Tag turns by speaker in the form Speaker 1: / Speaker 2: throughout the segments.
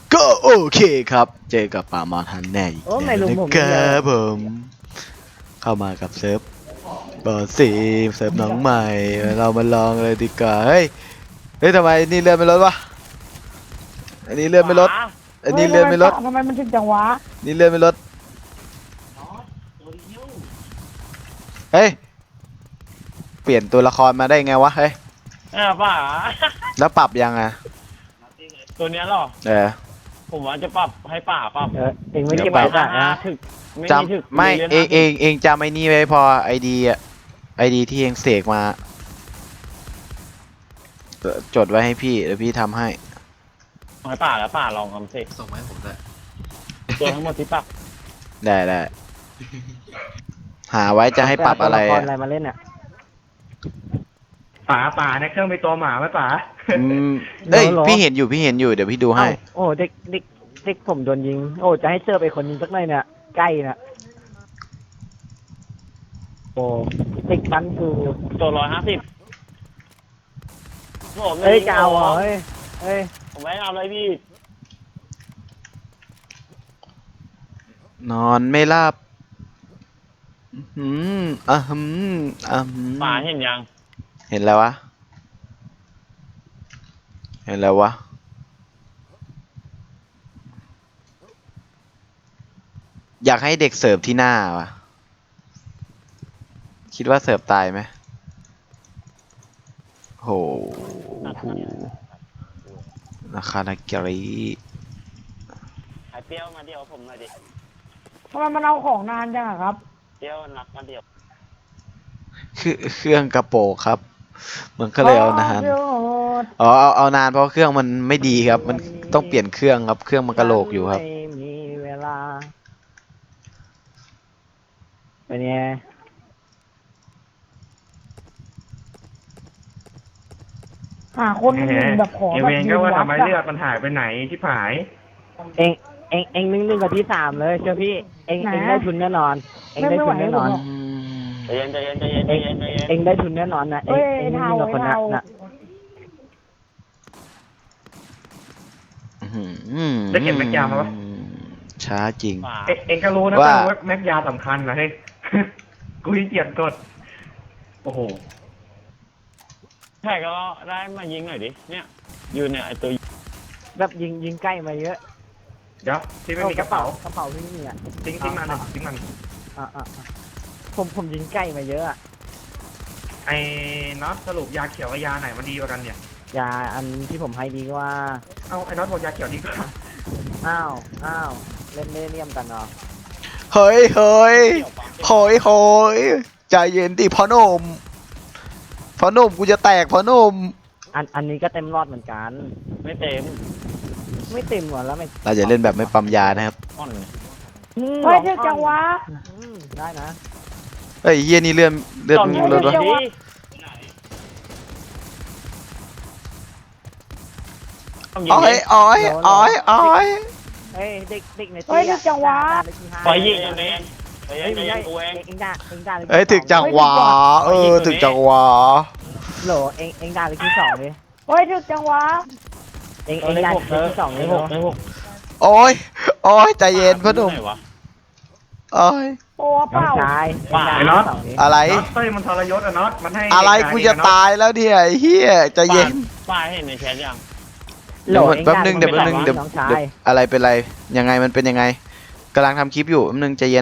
Speaker 1: ก็โอเคครับเจอกับป่ามาทันแน่อีก
Speaker 2: โอ้
Speaker 1: แล้ว
Speaker 2: ไม่รู้
Speaker 1: นะ
Speaker 2: ผม
Speaker 1: ค
Speaker 2: เล
Speaker 1: รั
Speaker 2: ย
Speaker 1: บผมเข้ามากับเซิร์ฟเบอร์สี่เซิร์ฟน้องใหม่เรามาลองเลยดีกว่าเฮ้ยทำไมนี่เลื่อนไม่ลดวะอันนี้เลื่อนไม่ลดอันนี้เลื่อนไม่ลด
Speaker 2: ทำไมมันถึงจังวะ
Speaker 1: นี่เลื่อนไม่ลดเฮ้ยเปลี่ยนตัวละครมาได้ไงวะเฮ้ย
Speaker 3: ป่า
Speaker 1: แล้วปรับยังอ่ะ
Speaker 3: ตัวเนี้ยหรอ ผมว่าจะปรับให้ป่าปรับ
Speaker 2: เองไม่
Speaker 1: เดี๋
Speaker 2: เก็
Speaker 1: ย
Speaker 2: บ
Speaker 1: วปรั
Speaker 2: ไว้
Speaker 1: บ
Speaker 2: ก่อนนะ
Speaker 3: ถึกไม่
Speaker 1: จ
Speaker 3: มีถึก
Speaker 1: ำไม่
Speaker 3: รียน
Speaker 1: เองจำไอ้นี่ไว้พอไอดีอ่ะไอดีที่เองเสกมาจดไว้ให้พี่เดี๋ยวพี่ทำให้
Speaker 3: ให้ป่าแล้วป่าลองทำสิ
Speaker 4: ส่งมาให้ผมด้วย
Speaker 3: ตัวทั้งหมดที่ปรับ
Speaker 1: ได้หาไว้จะให้ปรับอะไร
Speaker 2: เาตัวลค
Speaker 1: อะ
Speaker 2: อะไรมาเล่นอ่ะ
Speaker 5: ป่าในเครื่องมีตัวหมาไหมป่า
Speaker 1: อืมเอ้ยพี่เห็นอยู่เดี๋ยวพี่ดูให้
Speaker 2: เอ้าโอ้เด็กผมโดนยิงโอ้จะให้เสื้อไปคนยิงสักหน่อยเนี่ยใกล้น่ะโอ้เด็กปันคือ
Speaker 3: ตัว150ผม
Speaker 2: เฮ้ยจะเอาเหรอเฮ้ย
Speaker 3: ผมไม่เอาเลยพี่
Speaker 1: นอนไม่หลับอืม
Speaker 3: ป่าเห็นยัง
Speaker 1: เห็นแล้ววะอยากให้เด็กเสิร์ฟที่หน้าวะคิดว่าเสิร์ฟตายไหมโหราคานาเกรี
Speaker 3: ไอเปรี้ยวมาเดียวผมหน่อยดิ
Speaker 2: ทำไมมันเอาของนานจังอะครับ
Speaker 3: เปรี้ยวนักมาเดียว
Speaker 1: คือเครื่องกระโปรงครับ มันก็เลยเอานานอ๋อเอานานเพราะเครื่องมันไม่ดีครับ มันต้องเปลี่ยนเครื่องครับ เครื่องมันกระโหลกอยู่ครับ
Speaker 2: ไม่มีเวลาเป็นไงหาคนยิงแบบขอ
Speaker 5: เอ
Speaker 2: แบบ
Speaker 5: เวน
Speaker 2: ยิ
Speaker 5: ก็
Speaker 2: ง
Speaker 5: ว่า
Speaker 2: วั
Speaker 5: ทำ
Speaker 2: ด
Speaker 5: ไม
Speaker 2: อะ
Speaker 5: เลือดมันหายไปไหนที่ผาย
Speaker 2: เองนึ่งกับที่3เลยเชื่อพี่เองได้ทุนแน่นอนเองได้ทุนแน่นอน
Speaker 3: ใจเย็นใจเย็นใจเย็นใจเย็นใจเย็น
Speaker 2: เองได้ทุนแน่นอนนะเองนึ่งกับคนนั้นนะ
Speaker 5: ได้เก็บแม็กยามาปะ
Speaker 1: ช้าจริง
Speaker 3: ป่า
Speaker 5: เองก็รู้นะ
Speaker 1: ว่า
Speaker 5: ว่าแม็กยาสำคัญนะเฮ้ย กูยิ่งเกียจกด โอ้โห
Speaker 3: ใช่ก็ได้มายิงหน่อยดิเนี่ยอยู่เนี่ยไอตัว
Speaker 2: แบบยิงใกล้มาเยอะ
Speaker 5: เดี๋ยวที่ไม่มีกระเป๋าก
Speaker 2: ระเป๋าพี่นี่อ่ะ
Speaker 5: ทิ้งมันเลยทิ้งมัน
Speaker 2: ผมยิงใกล้มาเยอะอะ
Speaker 5: ไอ้น็อตสรุปยาเขียวกับยาไหนมันดีกว่ากันเนี่ย
Speaker 2: ยาอันที่ผมให้ดีกว่า
Speaker 5: เอาไอ้น็อตบอกยาเขียวดีกว่า
Speaker 2: อ้าวเล่นเลี่ยมกันเนาะ
Speaker 1: เฮ้ยใจเย็นดิพ่อหนุ่มกูจะแตกพ่อหนุ่ม
Speaker 2: อันนี้ก็เต็มรอดเหมือนกัน
Speaker 3: ไม่เต็ม
Speaker 2: ไม่เต็มหรอแล้วไม่
Speaker 1: เราจะเล่นแบบไม่ปั๊มยานะครับ
Speaker 3: อ่อนเนี่ย
Speaker 2: เฮ้ยเท่จังวะได้นะ
Speaker 1: เฮ้ยเฮียนี่เลื่อนมึงรถวะ
Speaker 3: ดิ
Speaker 1: อ้อย
Speaker 2: เฮ้ยเด็กในตีเฮ้ยจังวะ
Speaker 3: ไปยิงเองไปยิ
Speaker 2: เฮ้ย
Speaker 3: ง
Speaker 2: ไม่
Speaker 3: เอ
Speaker 2: ได้
Speaker 3: งกูเอง
Speaker 2: เองด่า
Speaker 1: เอ้ยถึกจังหวะถึกจังหวะ
Speaker 2: โหลเองด่าเลยที่2เลยเฮ้ยถึกจังวะเองด่าเลยที่2เลย
Speaker 3: ในหก
Speaker 1: โอ้ยใจเย็นพ่อหนุ่ม
Speaker 3: ไหวะ
Speaker 1: โอ้ย
Speaker 2: โอ้เปล่า
Speaker 1: อะไร
Speaker 5: น็อตเต้ยมันทรยศอะน็อตมันให้
Speaker 1: อะไรกูจะตายแล้วเนี่ยไอ้เฮียใจเย็น
Speaker 3: ป้าเห็นในแชทยัง
Speaker 1: เดี๋ยวแป๊บนึงเดี๋ยวอะไรเป็นไรยังไงมันเป็นยังไงกำลังทำคลิปอยู่แป๊บนึงใจเย็น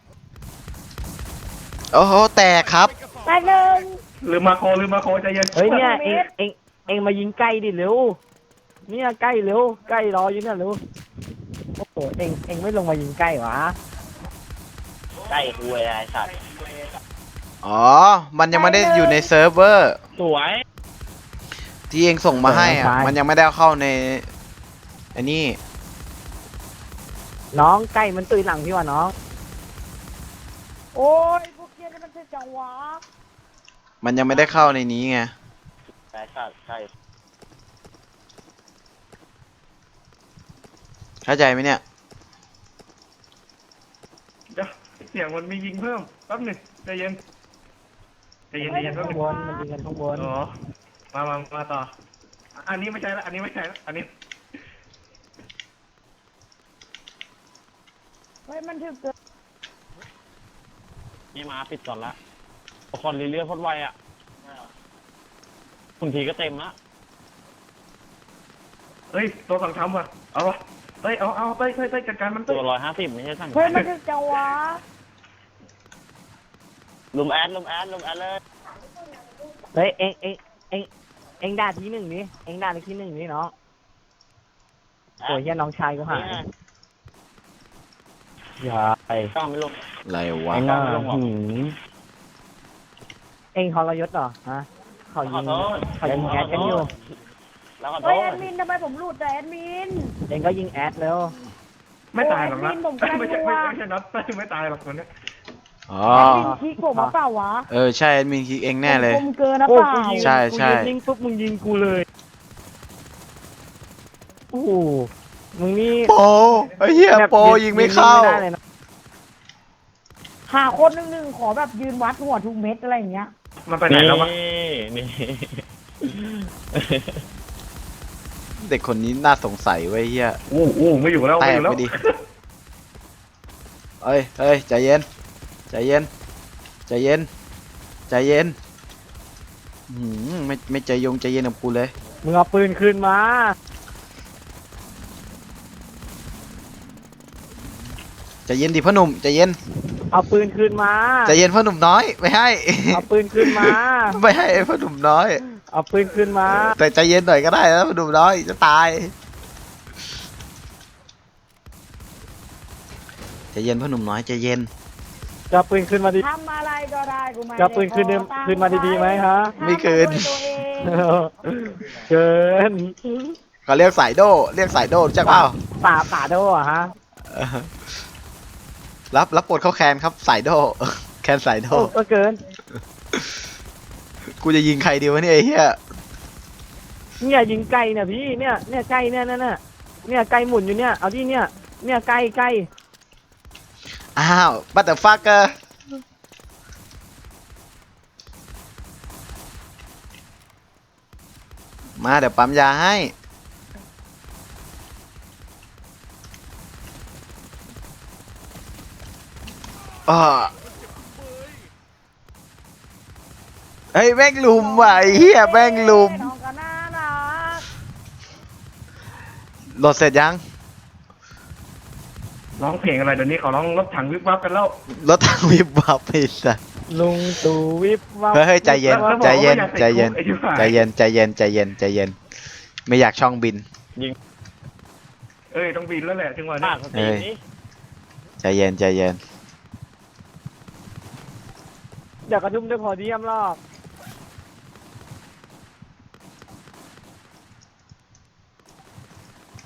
Speaker 1: โอ้โหแตกครับ
Speaker 2: แป๊บนึง
Speaker 5: ลืมมาโคใจเย็น
Speaker 2: เฮ้ยเนี่ยเองมายิงใกล้ดิเร็วเนี่ยใกล้เร็วใกล้รออยู่เนี่ยเร็วโอ้โหเองไม่ลงมายิงใกล้วะ
Speaker 3: ใกล้คุยไอ้สัตว์
Speaker 1: อ๋อมันยังไม่ได้อยู่ในเซิร์ฟเวอร์
Speaker 3: สวย
Speaker 1: ที่เองส่งมาให้อ่ะมันยังไม่ได้เข้าในอันนี้
Speaker 2: น้องใกล้มันตุยหลังพี่วะน้องโอ้ยพวกเกียร์นี่มันจังหวะ
Speaker 1: มันยังไม่ได้เข้าในนี้ไง
Speaker 3: ไอ้สัตว์ใช่
Speaker 1: เข้าใจไหมเนี่ย
Speaker 5: เดี๋ยวเสียงมันมียิงเพิ่มแป๊บหนึงใจเย็นแป๊บห
Speaker 2: ข้า
Speaker 5: นึ
Speaker 2: ง
Speaker 5: ง
Speaker 2: บนมันยิงกันข้างบน
Speaker 5: อ๋อมาต่อ อันนี้ไม่ใช่ละอันนี้
Speaker 4: เฮ้ยมันถึกเกิน
Speaker 3: นี่มาปิดก่อนละคอนเรื่อยๆพดไวอ่ะคุณทีก็เต็มละ
Speaker 5: เฮ้ยตัวสั่งทำว่ะเอาวะเฮ้ยเอาเต้ยจัดการมัน
Speaker 3: ตั
Speaker 5: เต้
Speaker 3: วย150ไม่ใช่สั่ง
Speaker 4: เฮ้ยมันถึกจังวะ
Speaker 3: ลุมแอดเลย
Speaker 2: เฮ้ยเองด่าทีหนึ่งนี้เองด่าในทีหนึ่งนี้เนาะโอ้ยเฮียน้องชายกูหายอย่าไป
Speaker 3: ก้าวไม่ลง
Speaker 1: อะไรวะ
Speaker 2: ไอ้หน้า
Speaker 3: ไม่ลงหรอก
Speaker 2: หืมเองทรยศเหรอฮะเขา
Speaker 3: ขอ
Speaker 2: ยิง
Speaker 3: โทษ
Speaker 2: เขายิงแอดกันอยู่
Speaker 3: แล้วขอโท
Speaker 4: เฮ้ย
Speaker 3: ษ
Speaker 4: แอดมินทำไมผมหลุดแต่แอดมิน
Speaker 2: เองก็ยิงแอดแล้ว
Speaker 5: ไม่ตายหรอกนะ
Speaker 4: โอ้ยผมกำลัง
Speaker 5: ไม่ใช่
Speaker 4: กลัว
Speaker 5: ไม่ใช่น็อตเต้ยไม่ตายหรอกคนเนี้ย
Speaker 1: อ๋อ
Speaker 4: แอดมินคิกผมมาเปล่าวะ
Speaker 1: เออใช่แอดมินคิกเองแน่เลย
Speaker 4: ผมเกินนะ
Speaker 2: โอ้
Speaker 4: เปล่า
Speaker 2: กูยิง
Speaker 1: ใช่ใช่
Speaker 2: กูยิงปุ๊บมึงยิงกูเลยโอ้โหมึงนี่
Speaker 1: โปไอ้เหี้ยโปยิงไม่เข้า
Speaker 2: ยิงด้เลยนะ
Speaker 4: หาคนหนึ่งขอแบบยืนวัดหัวทุกเม็ดอะไรอย่างเงี้ย
Speaker 5: มันไปไหนแล้ววะ
Speaker 3: นี่
Speaker 1: เด็กคนนี้น่าสงสัยไว้ยเหี้ย
Speaker 5: ไม่อยู่แล้ว
Speaker 1: แต
Speaker 5: ไม่อก ยู่แล้ว
Speaker 1: ไปดิ เฮ้ยใจเย็นใจเย็นใจเย็นใจเย็นไม่ใจยงใจเย็นกับกูเลย
Speaker 2: มึงเอาปืนคืนมา
Speaker 1: ใจเย็นดิพ่อหนุ่มใจเย็น
Speaker 2: เอาปืนคืนมา
Speaker 1: ใจเย็นพ่อหนุ่มน้อยไม่ให้
Speaker 2: เอาปืนคืนมา
Speaker 1: ไม่ให้ไอ้พ่อหนุ่มน้อย
Speaker 2: เอาปืนคืนมา
Speaker 1: แต่ใจเย็นหน่อยก็ได้นะพ่อหนุ่มน้อยจะตายใจเย็นพ่อหนุ่มน้อยใจเย็น
Speaker 2: จะเอาปืนคืนมาดิ
Speaker 4: ทำอะไรก็ได้กูไม่
Speaker 2: จะเอาปืนคืนเดิมคืนมาดีๆไหมฮะ
Speaker 1: ไม่คืน
Speaker 4: ทำมาด้วยตัวเอง
Speaker 2: เกิน
Speaker 1: เขาเรียกสายโดเรียกสายโดรู้จักเปล่า
Speaker 2: ป่าโดอ่ะฮะ
Speaker 1: เออรับปลดเข้าแคนครับสายโด แคนสายโด
Speaker 2: โอ้ก็เกิน
Speaker 1: กูจะยิงใครดีวะเนี่ยไอ้เหี้ย
Speaker 2: เนี่ยยิงไก่เนี่ยพี่เนี่ยไก่เนี่ยเนี่ยไก่หมุนอยู่เนี่ยเอาที่เนี่ยไก่
Speaker 1: อ้าวบัตเตอร์ฟักเกอร์มาเดี๋ยวปั๊มยาให้อ้อเฮ้ยแม่งลุมว่ะไอ้เหี้ยแม่งลุม
Speaker 4: น้องก็น่ารัก
Speaker 1: โหลดเสร็จยัง
Speaker 5: ร้องเพลงอะไรเดี๋ยวนี้เขาร้องรถถังวิบวับกันแล้ว
Speaker 1: รถทางวิบวับไปสัส
Speaker 2: ลุงตู่วิบวับ
Speaker 1: เฮ้ยใจเย็น
Speaker 5: แล้วบอก
Speaker 1: ใจเย็น
Speaker 5: ว่าอาก
Speaker 1: ใจเย็น
Speaker 5: ติดคุกไอ้ที่ว่า
Speaker 1: ใจเย็นใจเย็นใจเย็นใจเย็นไม่อยากช่องบิน
Speaker 5: เอ้ยต้องบินแล้วแหละจังหวะ
Speaker 3: ป้า
Speaker 5: นี้
Speaker 3: สตีนี่
Speaker 1: ใจเย็นใจเย็น
Speaker 2: เดี๋ยวกระทุ่มด้วยพอดียมรอบ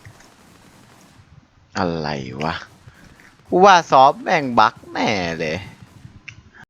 Speaker 1: อะไรวะกูว่าซอฟต์แม่งบั๊กแน่เลย